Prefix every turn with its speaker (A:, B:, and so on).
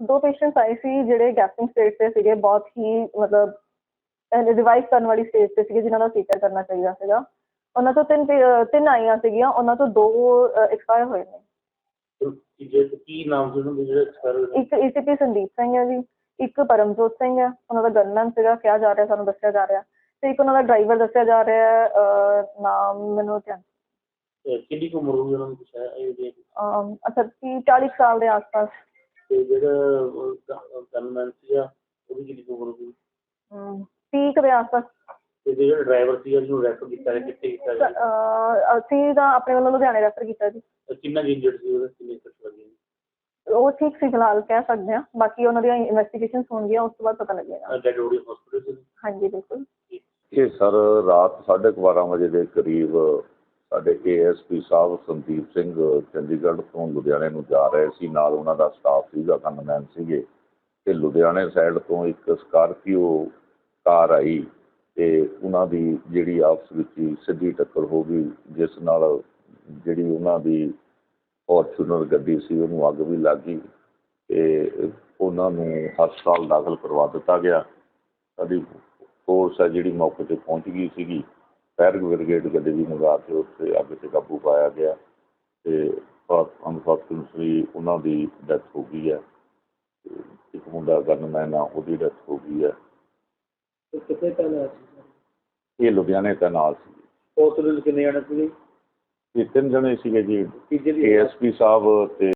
A: 2 patients ਆਏ ਸੀ ਜਿਹੜੇ ਗੈਸਟਿੰਗ stage ਤੇ ਸੀਗੇ, ਬਹੁਤ ਹੀ ਮਤਲਬ ਰਿਵਾਈਵ ਕਰਨ ਵਾਲੀ ਸਟੇਜ ਤੇ ਸੀਗੇ, ਜਿਨ੍ਹਾਂ ਦਾ ਸੀਟਰ ਕਰਨਾ ਚਾਹੀਦਾ ਸੀਗਾ। ਉਹਨਾਂ ਤੋਂ ਤਿੰਨ ਆਈਆਂ ਸੀਗੀਆਂ, ਉਹਨਾਂ ਤੋਂ 2 ਐਕਸਪਾਇਰ ਹੋਏ ਨੇ।
B: ਕੀ ਨਾਮ ਸੀ ਉਹਨਾਂ ਦੇ ਜਿਹੜੇ ਐਕਸਪਾਇਰ?
A: ਇੱਕ ਏਸੀਪੀ ਸੰਦੀਪ ਸਿੰਘ ਹੈ ਜੀ, ਇੱਕ ਪਰਮਜੋਤ ਸਿੰਘ ਹੈ, ਉਹਨਾਂ ਦਾ ਗਨਮੈਨ ਸੀਗਾ ਕਿਹਾ ਜਾ ਰਿਹਾ, ਸਾਨੂੰ ਦੱਸਿਆ ਜਾ ਰਿਹਾ, ਤੇ ਇੱਕ ਉਹਨਾਂ ਦਾ ਡਰਾਈਵਰ ਦੱਸਿਆ ਜਾ ਰਿਹਾ ਹੈ, ਨਾਮ ਮੈਨੂੰ ਧਿਆਨ।
B: ਕਿੰਨੀ ਕੁ ਉਮਰ ਹੋਊਗੀ ਉਹਨਾਂ ਨੂੰ, ਕੁਛ ਹੈ?
A: ਅੱਛਾ 40 ਸਾਲ ਦੇ ਆਸ-ਪਾਸ।
B: ਤੇ ਜਿਹੜਾ ਗਨਮੈਨ ਸੀਗਾ ਉਹਦੀ ਕਿੰਨੀ ਕੁ ਉਮਰ ਹੋਊਗੀ?
A: 30 ਦੇ ਆਸ-ਪਾਸ।
B: ਤੇ ਜਿਹੜਾ ਡਰਾਈਵਰ ਸੀਗਾ ਜਿਹਨੂੰ ਰੈਫਰ ਕੀਤਾ ਗਿਆ, ਕਿੱਥੇ ਕੀਤਾ ਗਿਆ?
A: ਅਸੀਂ ਤਾਂ ਆਪਣੇ ਵੱਲੋਂ ਲੁਧਿਆਣੇ ਰੈਫਰ ਕੀਤਾ ਜੀ।
B: ਕਿੰਨਾ ਇੰਜਰਡ ਸੀ ਉਹਦਾ, ਕਿੰਨੇ ਸੱਟ ਲੱਗੀ?
A: ਉਹ ਠੀਕ ਸੀ ਫਿਲਹਾਲ, ਕਹਿ ਸਕਦੇ ਹਾਂ, ਬਾਕੀ ਉਹਨਾਂ ਦੀਆਂ ਇਨਵੈਸਟੀਗੇਸ਼ਨਸ ਹੋਣਗੀਆਂ, ਉਸ ਤੋਂ ਬਾਅਦ ਪਤਾ ਲੱਗੇਗਾ।
B: Dead body hospital?
A: ਹਾਂਜੀ ਬਿਲਕੁਲ।
C: ਇਹ ਸਰ ਰਾਤ 12:30 ਵਜੇ ਦੇ ਕਰੀਬ ਸਾਡੇ ASP ਸਾਹਿਬ ਸੰਦੀਪ ਸਿੰਘ ਚੰਡੀਗੜ੍ਹ ਤੋਂ ਲੁਧਿਆਣੇ ਨੂੰ ਜਾ ਰਹੇ ਸੀ, ਨਾਲ ਉਹਨਾਂ ਦਾ ਸਟਾਫ ਸੀਗਾ, ਗਨਮੈਨ ਸੀਗੇ, ਤੇ ਲੁਧਿਆਣੇ ਸਾਈਡ ਤੋਂ ਇੱਕ ਸਕਾਰਪੀਓ ਕਾਰ ਆਈ ਤੇ ਉਹਨਾਂ ਦੀ ਜਿਹੜੀ ਆਪਸ ਵਿੱਚ ਹੀ ਸਿੱਧੀ ਟੱਕਰ ਹੋ ਗਈ, ਜਿਸ ਨਾਲ ਜਿਹੜੀ ਉਹਨਾਂ ਦੀ ਫੋਰਚੂਨਰ ਗੱਡੀ ਸੀ ਉਹਨੂੰ ਅੱਗ ਵੀ ਲੱਗ ਗਈ ਤੇ ਉਹਨਾਂ ਨੂੰ ਹਸਪਤਾਲ ਦਾਖਲ ਕਰਵਾ ਦਿੱਤਾ ਗਿਆ। ਸਾਡੀ ਫੋਰਸ ਹੈ ਜਿਹੜੀ ਮੌਕੇ 'ਤੇ ਪਹੁੰਚ ਗਈ ਸੀਗੀ, ਫਾਇਰ ਬ੍ਰਿਗੇਡ ਗੱਡੀ ਵੀ ਮੰਗਾ ਕੇ ਉੱਥੇ ਅੱਗ 'ਤੇ ਕਾਬੂ ਪਾਇਆ ਗਿਆ ਤੇ ਅਨਫੋਰਚੂਨੇਟਲੀ ਉਹਨਾਂ ਦੀ ਡੈਥ ਹੋ ਗਈ ਹੈ। ਇੱਕ ਮੁੰਡਾ ਗਨਮੈਨ ਆ, ਉਹਦੀ ਡੈਥ ਹੋ ਗਈ ਹੈ।
B: ਕਿੱਥੇ ਪਹਿਲਾਂ
C: ਇਹ ਲੁਧਿਆਣੇ ਦਾ ਨਾਲ ਸੀ।
B: ਹਸਪੀਟਲ ਕਿੰਨੇ ਜਾਣੇ ਸੀਗੇ?
C: ਇਹ 3 ਜਣੇ ਸੀਗੇ ਜੀ, ASP ਸਾਹਿਬ ਤੇ